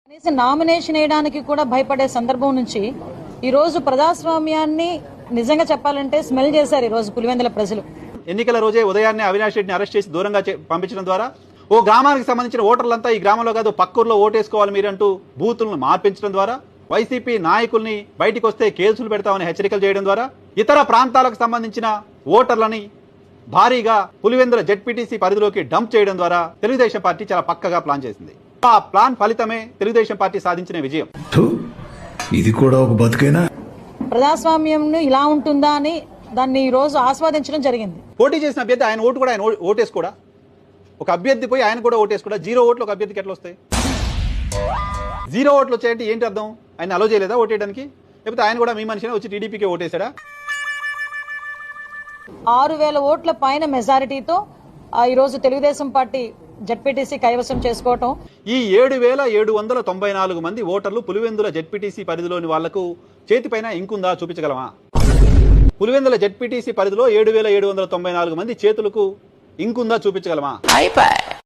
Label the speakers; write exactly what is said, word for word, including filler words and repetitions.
Speaker 1: కనీసం నామినేషన్ వేయడానికి కూడా భయపడే సందర్భం నుంచి ఈ రోజు ప్రజాస్వామ్యాన్ని నిజంగా చెప్పాలంటే స్మెల్ చేశారు ఈ రోజు పులివెందుల ప్రజలు.
Speaker 2: ఎన్నికల రోజే ఉదయాన్నే అవినాష్ రెడ్డిని అరెస్ట్ చేసి దూరంగా పంపించడం ద్వారా ఓ గ్రామానికి సంబంధించిన ఓటర్లంతా ఈ గ్రామంలో కాదు పక్కూరులో ఓటేసుకోవాలి మీరంటూ బూతులను మార్పించడం ద్వారా వైసీపీ నాయకుల్ని బయటికి వస్తే కేసులు పెడతామని హెచ్చరికలు చేయడం ద్వారా ఇతర ప్రాంతాలకు సంబంధించిన ఓటర్లని భారీగా పులివెందుల జెడ్పీటీసీ పరిధిలోకి డంప్ చేయడం ద్వారా తెలుగుదేశం పార్టీ చాలా పక్కగా ప్లాన్ చేసింది. ఆ ప్లాన్ ఫలితమే తెలుగుదేశం పార్టీ సాధించిన విజయం.
Speaker 3: ఇది కూడా ఒక బతుకైనా
Speaker 1: ప్రజాస్వామ్యం ఇలా ఉంటుందా అని దాన్ని ఈ రోజు ఆస్వాదించడం జరిగింది.
Speaker 2: పోటీ చేసిన అభ్యర్థి ఆయన ఓటు కూడా ఆయన ఓటేసుకోడా, ఒక అభ్యర్థి పోయి ఆయన కూడా ఓటేసుకోడా, జీరో ఓట్లు ఒక అభ్యర్థికి ఎట్లా వస్తాయి? జీరో ఓట్లు వచ్చాయంటే ఏంటి అర్థం? ఆయన అలో చేయలేదా ఓటేయడానికి? లేకపోతే ఆయన కూడా మీ మనిషినే వచ్చి టీడీపీకే ఓటేశాడా?
Speaker 1: ఆరు వేల ఓట్ల పైన మెజారిటీతో ఈ రోజు తెలుగుదేశం పార్టీ జెడ్పీటీసీ కైవసం చేసుకోవటం.
Speaker 2: ఈ ఏడు వేల ఏడు వందల తొంభై నాలుగు మంది ఓటర్లు పులివెందుల జెడ్పీటీసీ పరిధిలోని వాళ్లకు చేతిపైన ఇంకుందా చూపించగలమా? పులివెందుల జెడ్పీటీసీ పరిధిలో ఏడు వేల ఏడు వందల తొంభై నాలుగు మంది చేతులకు ఇంకుందా చూపించగలమా?